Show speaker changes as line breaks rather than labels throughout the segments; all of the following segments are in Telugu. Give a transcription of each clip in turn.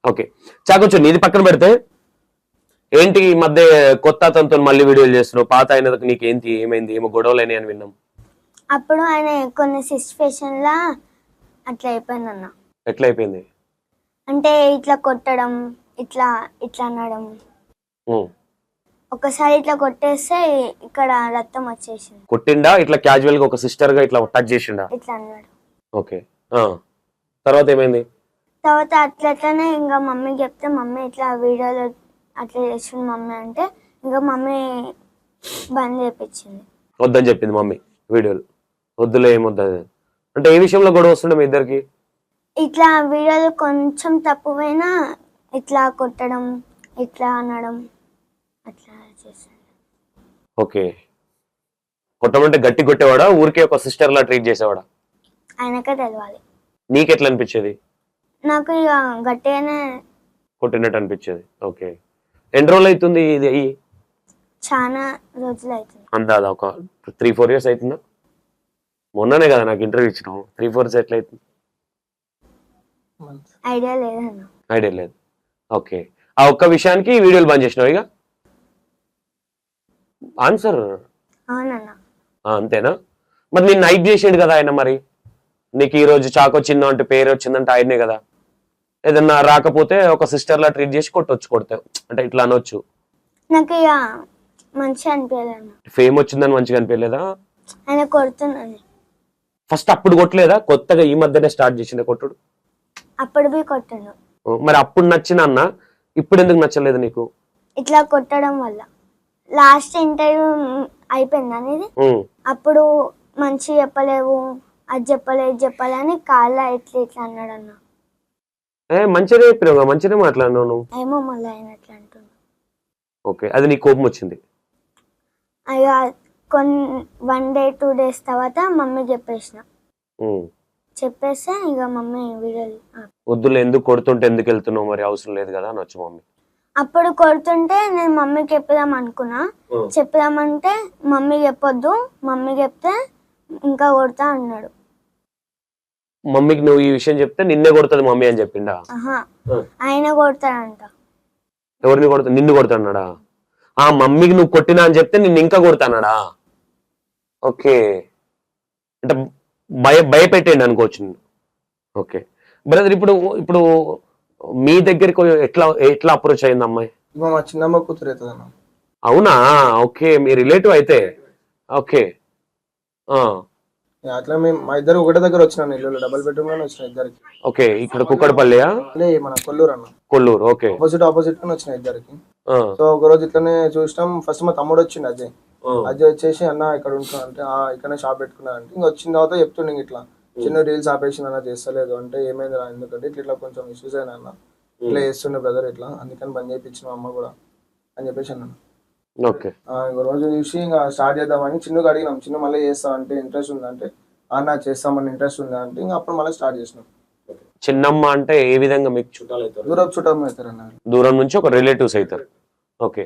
ఓకే చాకొచ్చు నీది పక్కన పెడితే ఏంటి ఈ మధ్య కొత్త అతనితో మళ్ళీ వీడియోలు చేస్తున్నావు, పాత అయినది నీకు ఏంటి ఏమైంది, ఏమో గొడవలు అయినాయి అని విన్నాం.
అప్పుడు ఆయన కొన్ని సిచ్యువేషన్ లా అట్లా అయిపోయింది అన్న.
ఎట్లా అయిపోయింది
అంటే ఇట్లా కొట్టడం, ఇట్లా ఇట్లా అనడం. ఒకసారి ఇట్లా కొట్టేస్తే ఇక్కడ రక్తం వచ్చేసింది.
కొట్టిండా ఇట్లా క్యాజువల్ గా ఒక సిస్టర్ గా ఇట్లా టచ్ చేసిండా?
ఇట్లా అన్నాడు.
ఓకే తర్వాత ఏమైంది?
తర్వాత అట్లనే ఇంకా మమ్మీకి చెప్తే మమ్మీ ఇట్లా వీడియోలో అట్లా చేసింది మమ్మీ అంటే ఇంకా మమ్మీ బంద్ చేయించింది.
వద్దని చెప్పింది మమ్మీ వీడియోలు, వద్దులే ఏమొద్దు అంటే. ఏ విషయంలో గొడవ వస్తుండే మీ ఇద్దరికి?
ఇట్లా వీడియోలు కొంచెం తప్పుపోయినా ఇట్లా కొట్టడం, ఇట్లా అనడం అట్లా చేశాడు.
ఓకే కొట్టమంటే గట్టి కొట్టేవాడా, ఊరికే ఒక సిస్టర్ లా ట్రీట్ చేసేవాడా?
ఆయనకే తెలవాలి.
నీకెట్లా అనిపించేది?
నాకు ఇక గట్టిగానే
కొట్టినట్టు అనిపించేది. ఓకే ఎన్ని రోజులు అవుతుంది ఇది అయ్యి?
చాలా రోజులు అవుతుంది.
అందాదా ఒక 3-4 years అవుతుందా? మొన్ననే కదా నాకు ఇంటర్వ్యూ ఇచ్చినావు, 3-4 years ఎట్లా అవుతుంది?
ఐడియా లేదన్న.
ఐడియా లేదు. ఓకే ఆ ఒక్క విషయానికి వీడియోలు బంద్ చేసినావు ఇక? ఆన్సర్
అవునన్న.
అంతేనా? మరి నేను నైట్ చేసాడు కదా ఆయన, మరి నీకు ఈ రోజు చాకు వచ్చిందో అంటే పేరు వచ్చిందంటే ఆయనే కదా. ఏదన్నా రాకపోతే ఒక సిస్టర్ లా ట్రీట్ చేసి కొడతావు అంటే ఇట్లా అనొచ్చు.
నాకు ఇక మంచిగా అనిపించలేదు.
ఫేమ్ వచ్చిందని మంచిగా అనిపించలేదా?
ఆయన కొడుతున్నాను.
ఫస్ట్ అప్పుడు కొట్టలేదా? కొత్తగా ఈ మధ్యనే స్టార్ట్ చేసింది కొట్టుడు?
అప్పుడు పోయి కొట్టాను.
మరి అప్పుడు నచ్చిన అన్న ఇప్పుడు ఎందుకు నచ్చలేదు నీకు?
ఇట్లా కొట్టడం వల్ల లాస్ట్ ఇంటర్వ్యూ అయిపోయింది అనేది. అప్పుడు మంచి చెప్పలేవు, అది చెప్పలే ఇది చెప్పలే అని కాళ్ళ ఇట్లా ఇట్లా అన్నాడు అన్న.
మంచిగా చెప్పినావు, మంచిగా మాట్లాడినావు నువ్వు.
ఏమో మళ్ళీ ఆయన అట్లా అంటున్నా.
ఓకే అది నీ కోపం వచ్చింది.
అయ్యా 1 day 2 days తర్వాత మమ్మీ చెప్పేస్తే ఇక మమ్మీ వీడియోలు
వద్దులే, ఎందుకు కొడుతుంటే ఎందుకు వెళ్తున్నావు, మరి అవసరం లేదు కదా అనొచ్చు మమ్మీ.
అప్పుడు కొడుతుంటే నేను మమ్మీకి చెప్పుదాం అనుకున్నా. చెప్పుదామంటే మమ్మీ చెప్పొద్దు, మమ్మీ చెప్తే ఇంకా కొడతా అన్నాడు.
మమ్మీకి నువ్వు ఈ విషయం చెప్తే నిన్నే కొడుతుంది మమ్మీ అని చెప్పిండా?
ఆయన కొడతాడంట.
ఎవరిని కొడతా? నిన్ను కొడతాడా? ఆ మమ్మీకి నువ్వు కొట్టినా అని చెప్తే నిన్ను ఇంకా కొడతాడా? ఓకే అంటే భయపెట్టండి అనుకోవచ్చు. ఓకే బ్రదర్ ఇప్పుడు మీ దగ్గరికి ఎట్లా అప్రోచ్ అయింది అమ్మాయి?
మా చిన్నమ్మ కూతురు అవుతుంది.
అవునా? ఓకే మీ రిలేటివ్ అయితే. ఓకే
అట్లా మేము మా ఇద్దరు ఒకటే దగ్గర వచ్చినాను, ఇల్లు డబుల్ బెడ్రూమ్ లోనే వచ్చిన ఇద్దరికి.
ఓకే ఇక్కడ కుక్కడపల్లియా?
మన కొల్లూరు అన్న.
కొల్లూరు. ఓకే
ఆపోజిట్ గానే వచ్చిన ఇద్దరికి. సో ఒక రోజు ఇట్లనే చూసినాం. ఫస్ట్ మా తమ్ముడు వచ్చిండు అజయ్ వచ్చేసి అన్న ఇక్కడ ఉంటున్నా అంటే ఇక్కడనే షాప్ పెట్టుకున్నా అంటే ఇంకా వచ్చిన తర్వాత చెప్తుండే ఇట్లా చిన్న రీల్స్ ఆపేసింది అన్న, చేస్తలేదు అంటే ఏమైంది రా ఎందుకంటే ఇట్లా కొంచెం ఇష్యూస్ అయినా అన్న, ఇట్లా చేస్తుండే బ్రదర్ ఇట్లా అందుకని బంద్ చేయించిన అమ్మ కూడా అని చెప్పేసి అన్నాను. ఇంకో రోజు చూసి ఇంకా స్టార్ట్ చేద్దామని చిన్నగా అడిగినాం. చిన్న మళ్ళీ చేస్తా అంటే ఇంట్రెస్ట్ ఉందా అంటే అన్న చేస్తామని ఇంట్రెస్ట్ ఉందా అంటే ఇంకా అప్పుడు మళ్ళీ స్టార్ట్ చేసినాం.
చిన్నమ్మ అంటే ఏ విధంగా మీకు చుట్టాలు అవుతారు?
దూరం చుట్టాలు అవుతారు అన్న, దూరం
నుంచి ఒక రిలేటివ్స్ అవుతారు. ఓకే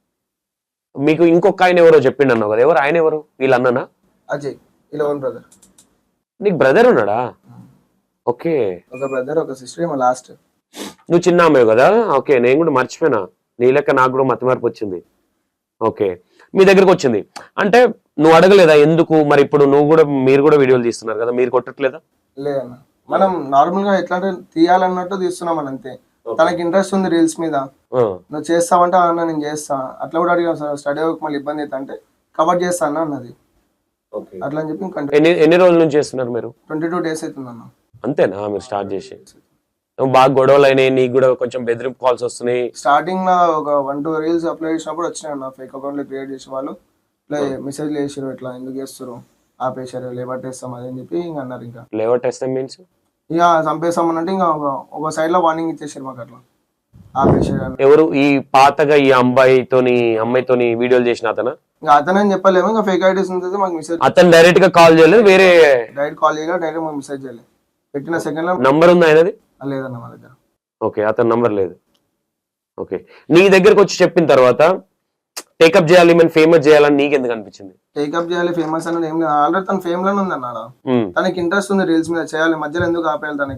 మీకు ఇంకొక ఆయన ఎవరో చెప్పిండు అన్నావు కదా, ఎవరు ఆయన? ఎవరు? వీళ్ళ అన్ననా?
అజయ్ ఇలా ఓన్ బ్రదర్.
నీకు బ్రదర్ ఉన్నాడా? ఓకే
ఒక బ్రదర్ ఒక సిస్టర్ మా లాస్ట్.
నువ్వు చిన్న అమ్మాయి కదా. ఓకే నేను కూడా మర్చిపోయినా, నీ లెక్క నాకు కూడా మతి మార్పు వచ్చింది. ఓకే మీ దగ్గరకు వచ్చింది అంటే నువ్వు అడగలేదా ఎందుకు? మరి ఇప్పుడు మీరు కూడా వీడియోలు తీస్తున్నారు కదా, మీరు కొట్టట్లేదా?
లేదన్న మనం నార్మల్ గా ఎట్లా తీయాలన్నట్టు తీస్తున్నాం అని అంతే. తనకి ఇంట్రెస్ట్ ఉంది రీల్స్ మీద, నువ్వు చేస్తావంటే అన్న నేను చేస్తా అట్లా కూడా అడిగాను. సార్ స్టడీ మళ్ళీ ఇబ్బంది అయితే అంటే కవర్ చేస్తా అన్న అన్నది. అట్లా అని చెప్పి
ఎన్ని రోజుల నుంచి చేస్తున్నారు మీరు?
22 days అవుతుంది అన్న.
అంతేనా మీరు స్టార్ట్ చేసి? బాగా గొడవలు అయినాయి, నీకు కూడా కొంచెం బెదిరింపు కాల్స్ వస్తున్నాయి?
స్టార్టింగ్ లో ఒక 1-2 reels అప్లోడ్ చేసినప్పుడు వచ్చినాయి అన్న, ఫేక్ అకౌంట్లు క్రియేట్ చేసే వాళ్ళు ఇట్లా మెసేజ్లు వేసారు, ఇట్లా ఎందుకు చేస్తారు ఆపేశారు, లేవట్టేస్తాం అని చెప్పి ఇంకా అన్నారు. ఇంకా
లేవట్టేస్తాం మీన్స్
ఇక చంపేస్తామని అంటే ఇంకా ఒక సైడ్ లో వార్నింగ్ ఇచ్చేసారు మాకు, అట్లా ఆపేసారు.
ఎవరు ఈ పాతగా ఈ అమ్మాయితోని వీడియోలు చేసిన అతను?
ఇంకా అతనే చెప్పలేము, ఇంకా ఫేక్ ఐడీస్ ఉంటుంది మాకు మెసేజ్.
అతను డైరెక్ట్ గా కాల్ చేయలేదు, వేరే
డైరెక్ట్ కాల్ చేయలేదు, డైరెక్ట్ మాకు మెసేజ్ చేయలేదు. పెట్టిన సెకండ్ లో
నంబర్ ఉంది ఆయనది?
లేదన్న మా దగ్గర.
ఓకే అతని నంబర్ లేదు. ఓకే నీ దగ్గరకు వచ్చి చెప్పిన తర్వాత టేకప్ చేయాలి మనం ఫేమస్ చేయాలని నీకు ఎందుకు అనిపించింది?
టేకప్ చేయాలి ఫేమస్ అనేది ఏం లేదు, ఆల్రెడీ తన ఫేమ్ లోనే ఉంది అన్నాడు. తనకి ఇంట్రెస్ట్ ఉంది రీల్స్ మీద చేయాలి, మధ్యలో ఎందుకు ఆపేయాలి తనకి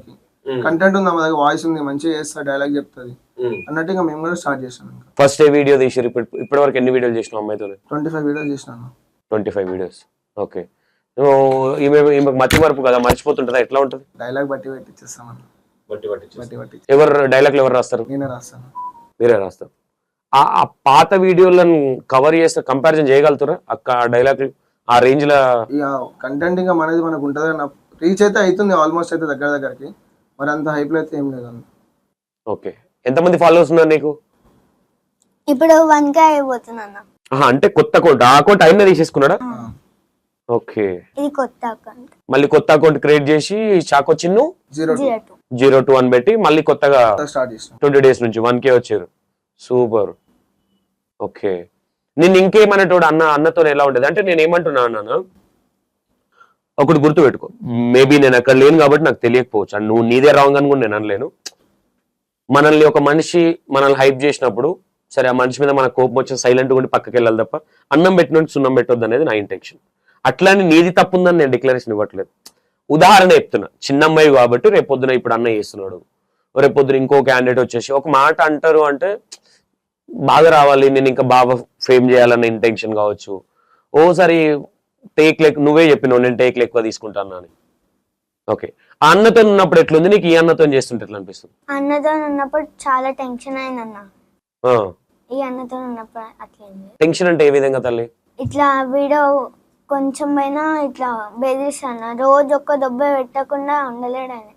కంటెంట్ ఉంది మా దగ్గర, వాయిస్ ఉంది, మంచిగా చేస్తా, డైలాగ్ చెప్తుంది అన్నట్టు ఇంకా మేము కూడా స్టార్ట్ చేసాం. ఇంకా
ఫస్ట్ ఏ వీడియో తీసారు? ఇప్పటి వరకు ఎన్ని వీడియోలు చేసినావు అమ్మాయితో?
25 వీడియోస్ చేసినాను.
25 వీడియోస్. ఓకే. ఈమె మతి మరుపు కదా, మర్చిపోతుంటుందా, ఎట్లా ఉంటుంది?
డైలాగ్ బట్టి పెట్టిచ్చేస్తామన్న. బట్టి
ఎవరు డైలాగ్లు ఎవరు రాస్తారు?
నేనే రాస్తాను.
మీరే రాస్తారు. ఆ పాత వీడియోలను కవర్ చేస్తే కంపారిజన్ చేయగలుగుతారా అక్క డైలాగ్ ఆ రేంజ్ లో?
ఇక కంటెంట్ ఇంకా మనది మనకు ఉంటుంది అన్న, రీచ్ అయితే అవుతుంది ఆల్మోస్ట్, అయితే దగ్గరికి, మరి అంత హైప్ లో అయితే ఏం లేదు అన్న.
ఓకే. ఎంతమంది ఫాలోవర్స్ ఉన్నారు నీకు
ఇప్పుడు 1K అయిపోతుంది అన్న.
అంటే కొత్త అకౌంట్, ఆ అకౌంట్ అయినా తీసేసుకున్నాడా? ఓకే.
ఇది కొత్త అకౌంట్.
మళ్ళీ కొత్త అకౌంట్ క్రియేట్ చేసి చాకో చిన్ను
02
02 అని పెట్టి మళ్ళీ కొత్తగా
స్టార్ట్ చేసిన
20 days నుంచి 1K వచ్చారు. సూపర్. ఓకే. నేను ఇంకేమన్నట్టు అన్నతో ఎలా ఉండేది అంటే, నేను ఏమంటున్నా అన్నాను, ఒకటి గుర్తు పెట్టుకో, మేబీ నేను అక్కడ లేను కాబట్టి నాకు తెలియకపోవచ్చు, అండ్ నువ్వు నీదే రాంగ్ అని కూడా నేను అనలేను. మనల్ని ఒక మనిషి మనల్ని హైప్ చేసినప్పుడు, సరే ఆ మనిషి మీద మన కోపం వచ్చి సైలెంట్ ఉండి పక్కకి వెళ్ళాలి తప్ప అన్నం పెట్టినట్టు సున్నం పెట్టొద్దు అనేది నా ఇంటెన్షన్. అట్లానే నీది తప్పు ఉందని నేను డిక్లరేషన్ ఇవ్వట్లేదు. ఉదాహరణ చెప్తున్నా, చిన్న అమ్మాయి కాబట్టి రేపొద్దున ఇప్పుడు అన్న చేస్తున్నాడు, రేపొద్దున ఇంకో క్యాండిడేట్ వచ్చేసి ఒక మాట అంటారు అంటే బాగా రావాలి, నేను ఇంకా బాగా ఫేమ్ చేయాలన్న ఇంటెన్షన్ కావచ్చు. ఓసారి నువ్వే చెప్పినావు నేను టేక్లు ఎక్కువ తీసుకుంటాను అని. ఓకే. ఆ అన్నతో ఉన్నప్పుడు ఎట్లుంది నీకు, ఈ అన్నతో చేస్తుంటే ఎట్లా అనిపిస్తుంది?
అన్నతో ఉన్నప్పుడు చాలా టెన్షన్ అయిందన్న. ఈ అన్నతో ఉన్నప్పుడు అట్లయింది.
టెన్షన్ అంటే ఏ విధంగా తల్లి?
ఇట్లా వీడియో కొంచెం పైన ఇట్లా బెదిరిస్తాను, రోజు ఒక్క దెబ్బ పెట్టకుండా ఉండలేడు ఆయన.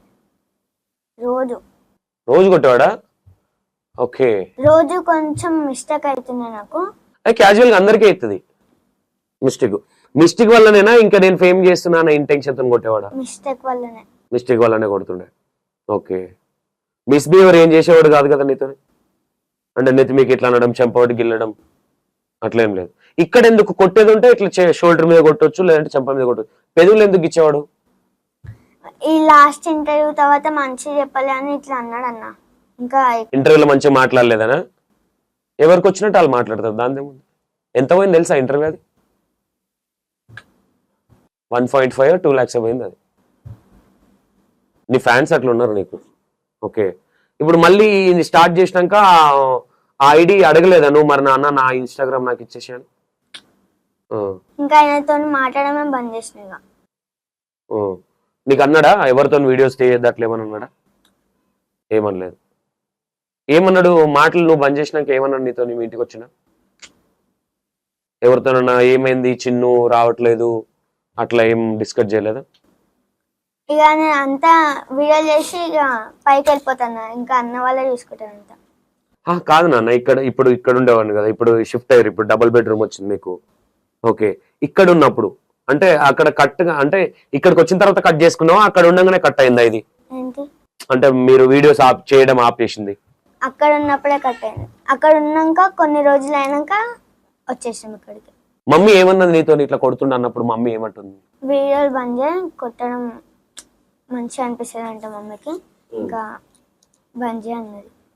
రోజు కొట్టేవాడా? ఓకే.
రోజు కొంచెం మిస్టేక్ అవుతుంది నాకు.
అది క్యాజువల్ గా అందరికీ అవుతుంది మిస్టేక్ వల్లనేనా ఇంకా నేను ఫేమ్ చేస్తున్నా ఇంటెన్షన్ తో కొట్టేవాడా? మిస్టేక్ వల్లనే కొడుతుండే. ఓకే. మిస్బిహేవియర్ ఏం చేసేవాడు కాదు కదా నీతో? అంటే నెత్తి మీకు ఇట్లా అనడం, చెంపవాడి గిల్లడం అట్లేం లేదు. ఇక్కడ ఎందుకు కొట్టేది ఉంటే ఇట్లా షోల్డర్ మీద కొట్టొచ్చు, లేదంటే చెంప మీద కొట్టొచ్చు. పెదవులు ఎందుకు ఇచ్చేవాడు?
ఈ లాస్ట్ ఇంటర్వ్యూ తర్వాత మంచిగా చెప్పలే అని ఇట్లా అన్నాడు అన్న. ఇంకా
ఇంటర్వ్యూలో మంచిగా మాట్లాడలేదనా? ఎవరికి వచ్చినట్టు వాళ్ళు మాట్లాడతారు, దాని ఎంత పోయింది తెలుసా ఇంటర్వ్యూ? అది 1.5 or 2 lakhs పోయింది. అది నీ ఫ్యాన్స్ అట్లా ఉన్నారు నీకు. ఓకే. ఇప్పుడు మళ్ళీ స్టార్ట్ చేసినాక ఆ ఐడి అడగలేదా నువ్వు, మరి నా ఇన్స్టాగ్రామ్ నాకు ఇచ్చేసాను?
ఇంకా ఆయనతో మాట్లాడమే బంద్ చేసిన.
నీకు అన్నాడా ఎవరితో వీడియోస్ చేయొద్దు అట్లా ఏమన్నా అన్నాడా? ఏమనలేదు. ఏమన్నాడు మాటలు నువ్వు బంద్ చేసినాక? ఏమన్నాడు నీతో మీ ఇంటికి వచ్చినా? ఎవరితోనన్నా ఏమైంది చిన్ను రావట్లేదు అట్లా ఏం డిస్కస్ చేయలేదా?
ఇక నేను అంతా వీడియో చేసి ఇక పైకి వెళ్ళిపోతాను, ఇంకా అన్న వాళ్ళే చూసుకుంటాను అంతా.
కాదు నాన్న, ఇక్కడ ఉండేవాడిని కదా, ఇప్పుడు షిఫ్ట్ అయ్యారు, ఇప్పుడు డబుల్ బెడ్రూమ్ వచ్చింది మీకు. ఓకే. ఇక్కడ ఉన్నప్పుడు అంటే అక్కడ కట్గా అంటే ఇక్కడికి వచ్చిన తర్వాత కట్ చేసుకున్నావా, అక్కడ ఉండగానే కట్ అయిందా ఇది?
ఏంటి
అంటే మీరు వీడియోస్ చేయడం ఆపేసింది?
అక్కడ ఉన్నప్పుడే కట్ అయింది. అక్కడ ఉన్నాక కొన్ని రోజులు అయినాక వచ్చేసాం ఇక్కడికి.
మమ్మీ ఏమన్నది నీతో ఇట్లా కొడుతుండ అన్నప్పుడు? మమ్మీ ఏమంటుంది?
వీడియోలు బంద్ చేయి, కొట్టడం మంచిగా అనిపిస్తుంది అంట మమ్మీకి, ఇంకా బంద్ చేయి అన్నది.